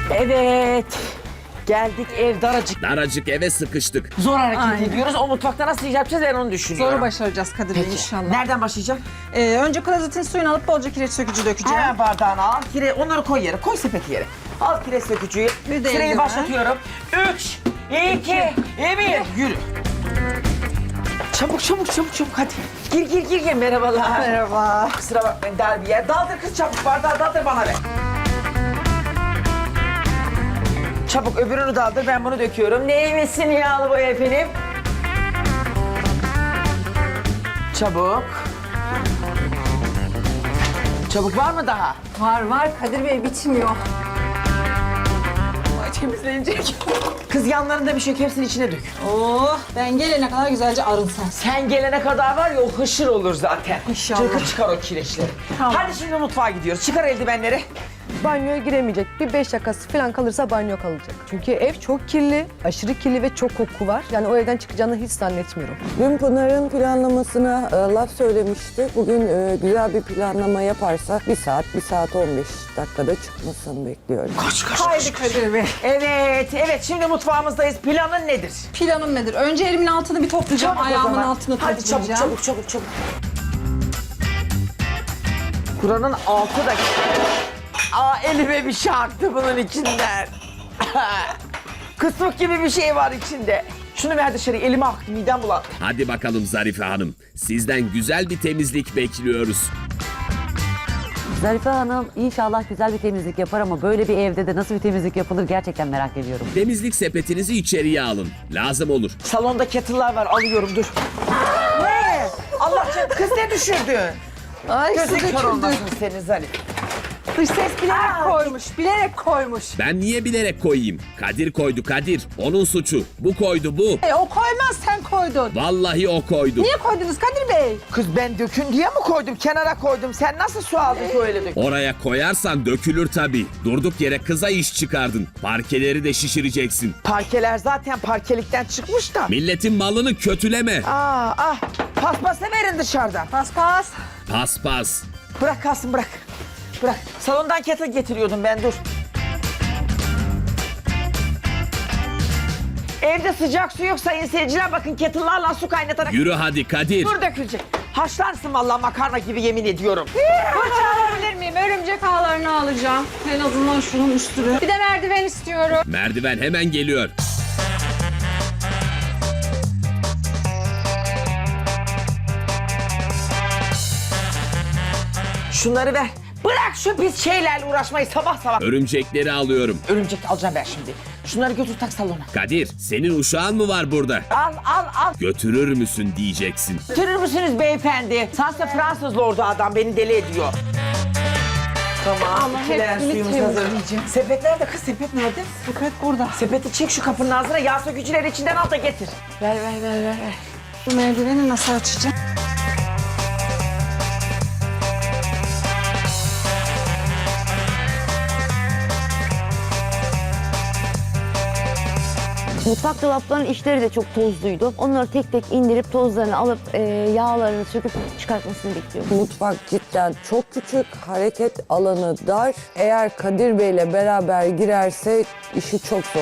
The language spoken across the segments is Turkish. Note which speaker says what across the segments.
Speaker 1: Evet. Geldik, ev daracık.
Speaker 2: Daracık eve sıkıştık.
Speaker 1: Zor hareket
Speaker 3: Aynen.
Speaker 1: ediyoruz. O mutfakta nasıl yapacağız ben onu düşünüyorum.
Speaker 3: Zoru başaracağız Kadir Bey inşallah.
Speaker 1: Nereden başlayacağım?
Speaker 3: Önce klozetin suyunu alıp bolca kireç sökücü dökeceğim.
Speaker 1: Hemen bardağını al. Onları koy yere. Koy sepeti yere. Al kireç sökücüyü.
Speaker 3: Bir de
Speaker 1: Süreyi
Speaker 3: eldiven.
Speaker 1: başlatıyorum. 3, 2, 1. Yürü. Çabuk hadi. Gir. Merhabalar.
Speaker 3: Merhaba.
Speaker 1: Kusura bakmayın dar bir yer. Daldır kız çabuk. Bardağı daldır bana ver. Çabuk öbürünü daldır. Ben bunu döküyorum. Neymesin yağlı boya efendim? Çabuk. Çabuk var mı daha?
Speaker 3: Var Kadir Bey bitmiyor.
Speaker 1: Ay temizlenecek. Kız yanlarında bir şey yok, hepsini içine dök.
Speaker 3: Oh ben gelene kadar güzelce arınsın.
Speaker 1: Sen gelene kadar var ya o hışır olur zaten.
Speaker 3: İnşallah.
Speaker 1: Cırkı çıkar o kireçleri.
Speaker 3: Tamam.
Speaker 1: Hadi şimdi mutfağa gidiyoruz. Çıkar eldivenleri.
Speaker 4: Banyoya giremeyecek. Bir 5 dakikası falan kalırsa banyo kalacak. Çünkü ev çok kirli, aşırı kirli ve çok koku var. Yani o evden çıkacağını hiç zannetmiyorum.
Speaker 5: Dün Pınar'ın planlamasına laf söylemişti. Bugün güzel bir planlama yaparsa 1 saat 15 dakikada çıkmasını bekliyorum.
Speaker 1: Koş.
Speaker 3: Haydi Kadir Bey.
Speaker 1: Evet şimdi mutfağımızdayız. Planın nedir?
Speaker 3: Planım nedir? Önce elimin altını bir toplayacağım,
Speaker 1: Çabuk o
Speaker 3: ayağımın
Speaker 1: zaman.
Speaker 3: altını
Speaker 1: Hadi
Speaker 3: toplayacağım.
Speaker 1: çabuk. Kur'an'ın 6 dakika. Elime bir şey aktı bunun içinden. Kısmık gibi bir şey var içinde. Şunu ver dışarı, elime aktı, midem bulandı.
Speaker 2: Hadi bakalım Zarife Hanım. Sizden güzel bir temizlik bekliyoruz.
Speaker 6: Zarife Hanım inşallah güzel bir temizlik yapar ama böyle bir evde de nasıl bir temizlik yapılır gerçekten merak ediyorum.
Speaker 2: Temizlik sepetinizi içeriye alın. Lazım olur.
Speaker 1: Salonda kettle'lar var, alıyorum dur. Ne? Allah canım, kız ne düşürdü?
Speaker 3: Ay su
Speaker 1: Gözün kör
Speaker 3: döküldü.
Speaker 1: olmasın senin Zarif.
Speaker 3: Dış ses bilerek koymuş.
Speaker 2: Ben niye bilerek koyayım? Kadir koydu Kadir. Onun suçu. Bu koydu bu.
Speaker 3: O koymaz sen koydun.
Speaker 2: Vallahi o koydu.
Speaker 3: Niye koydunuz Kadir Bey?
Speaker 1: Kız ben dökün diye mi koydum? Kenara koydum. Sen nasıl su aldın ki öyle dök?
Speaker 2: Oraya koyarsan dökülür tabii. Durduk yere kıza iş çıkardın. Parkeleri de şişireceksin.
Speaker 1: Parkeler zaten parkelikten çıkmış da.
Speaker 2: Milletin malını kötüleme.
Speaker 1: Paspası verin dışarıdan.
Speaker 3: Pas.
Speaker 2: Paspas.
Speaker 1: Bırak kalsın bırak. Bırak. Salondan kettle getiriyordum ben dur. Evde sıcak su yok sayın seyirciler. Bakın kettle'larla su kaynatarak.
Speaker 2: Yürü hadi Kadir.
Speaker 1: Dur dökülecek. Haşlarsın vallahi makarna gibi yemin ediyorum.
Speaker 3: Fırça alabilir miyim? Örümcek ağlarını alacağım. En azından şunun üstünü. Bir de merdiven istiyorum.
Speaker 2: Merdiven hemen geliyor.
Speaker 1: Şunları ver. Bırak şu pis şeylerle uğraşmayı sabah.
Speaker 2: Örümcekleri alıyorum.
Speaker 1: Örümcek alacağım ben şimdi. Şunları götür tak salona.
Speaker 2: Kadir, senin uşağın mı var burada?
Speaker 1: Al.
Speaker 2: Götürür müsün diyeceksin.
Speaker 1: Götürür müsünüz beyefendi? Sansa Fransız lordu adam beni deli ediyor. Tamam.
Speaker 3: Ama
Speaker 1: ikiler
Speaker 3: hepsini
Speaker 1: suyumuz hazır.
Speaker 3: temizleyeceğim.
Speaker 1: Sepet nerede kız? Sepet nerede?
Speaker 3: Sepet burada.
Speaker 1: Sepeti çek şu kapının ağzına. Yağ sökücüleri içinden al da getir. Ver.
Speaker 3: Bu merdiveni nasıl açacağım?
Speaker 6: Mutfak dolaplarının içleri de çok tozluydu. Onları tek tek indirip tozlarını alıp yağlarını söküp çıkartmasını bekliyorum.
Speaker 5: Mutfak cidden çok küçük, hareket alanı dar. Eğer Kadir Bey'le beraber girerse işi çok zor.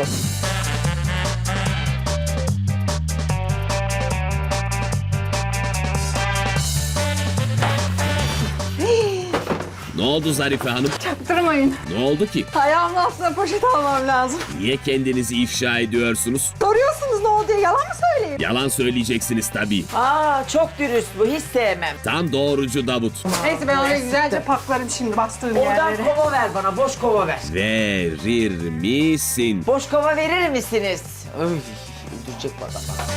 Speaker 2: Ne oldu Zarife Hanım?
Speaker 3: Durmayın.
Speaker 2: Ne oldu ki?
Speaker 3: Ayağımın altına poşet almam lazım.
Speaker 2: Niye kendinizi ifşa ediyorsunuz?
Speaker 3: Soruyorsunuz ne oldu diye yalan mı söyleyeyim?
Speaker 2: Yalan söyleyeceksiniz tabii.
Speaker 1: Çok dürüst bu. Hiç sevmem.
Speaker 2: Tam doğrucu Davut.
Speaker 3: Neyse ben oraya güzelce paklarım şimdi bastığım
Speaker 1: Oradan
Speaker 3: yerlere.
Speaker 1: kova ver bana. Boş kova ver.
Speaker 2: Verir misin?
Speaker 1: Boş kova verir misiniz? Öldürecek bana.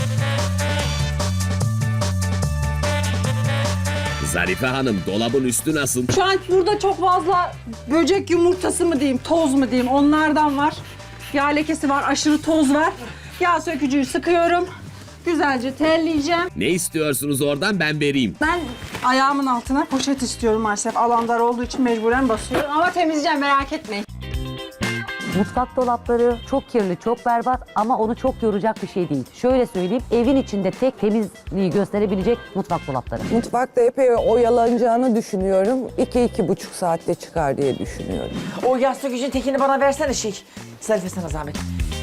Speaker 2: Zarife Hanım, dolabın üstü nasıl?
Speaker 3: Şu an burada çok fazla böcek yumurtası mı diyeyim, toz mu diyeyim onlardan var. Yağ lekesi var, aşırı toz var. Yağ sökücüyü sıkıyorum. Güzelce telleyeceğim.
Speaker 2: Ne istiyorsunuz oradan ben vereyim.
Speaker 3: Ben ayağımın altına poşet istiyorum maalesef. Alan dar olduğu için mecburen basıyorum. Ama temizleyeceğim merak etmeyin.
Speaker 7: Mutfak dolapları çok kirli, çok berbat ama onu çok yoracak bir şey değil. Şöyle söyleyeyim, evin içinde tek temizliği gösterebilecek mutfak dolapları.
Speaker 5: Mutfakta epey oyalanacağını düşünüyorum. 2-2,5 saatte çıkar diye düşünüyorum.
Speaker 1: O yağ sökücünün tekini bana versene Zarife sana zahmet.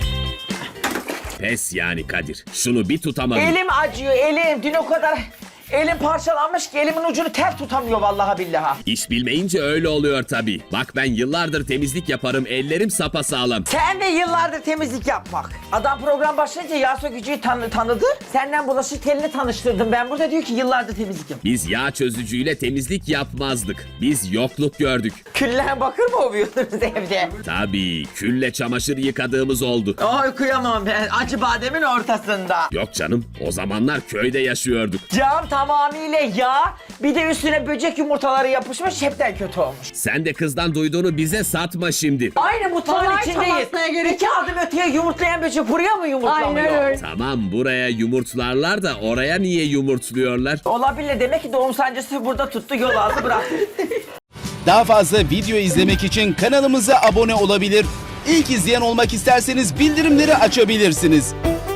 Speaker 2: Pes yani Kadir. Şunu bir tutamadın.
Speaker 1: Elim acıyor elim. Dün o kadar elim parçalanmış ki elimin ucunu tel tutamıyor vallahi billahi.
Speaker 2: İş bilmeyince öyle oluyor tabii. Bak ben yıllardır temizlik yaparım, ellerim sapasağlam.
Speaker 1: Sen de yıllardır temizlik yapmak. Adam program başlayınca yağ sökücüyü tanıdı. Senden bulaşık telini tanıştırdım. Ben burada diyor ki yıllardır temizlik yap.
Speaker 2: Biz yağ çözücüyle temizlik yapmazdık. Biz yokluk gördük.
Speaker 1: Küllen bakır mı ovuyordunuz evde?
Speaker 2: Tabii külle çamaşır yıkadığımız oldu.
Speaker 1: Ay kıyamam ben acı bademin ortasında.
Speaker 2: Yok canım, o zamanlar köyde yaşıyorduk.
Speaker 1: Cam tamamıyla yağ, bir de üstüne böcek yumurtaları yapışmış, hepten kötü olmuş.
Speaker 2: Sen de kızdan duyduğunu bize satma şimdi.
Speaker 1: Aynı mutfağın
Speaker 3: Kolay
Speaker 1: içindeyiz.
Speaker 3: çalışmaya gerek
Speaker 1: İki adım öteye yumurtlayan böcek buraya mı yumurtlamıyor?
Speaker 3: Aynen öyle.
Speaker 2: Tamam buraya yumurtlarlar da oraya niye yumurtluyorlar?
Speaker 1: Olabilir, demek ki doğum sancısı burada tuttu, yol aldı bıraktı.
Speaker 8: Daha fazla video izlemek için kanalımıza abone olabilir. İlk izleyen olmak isterseniz bildirimleri açabilirsiniz.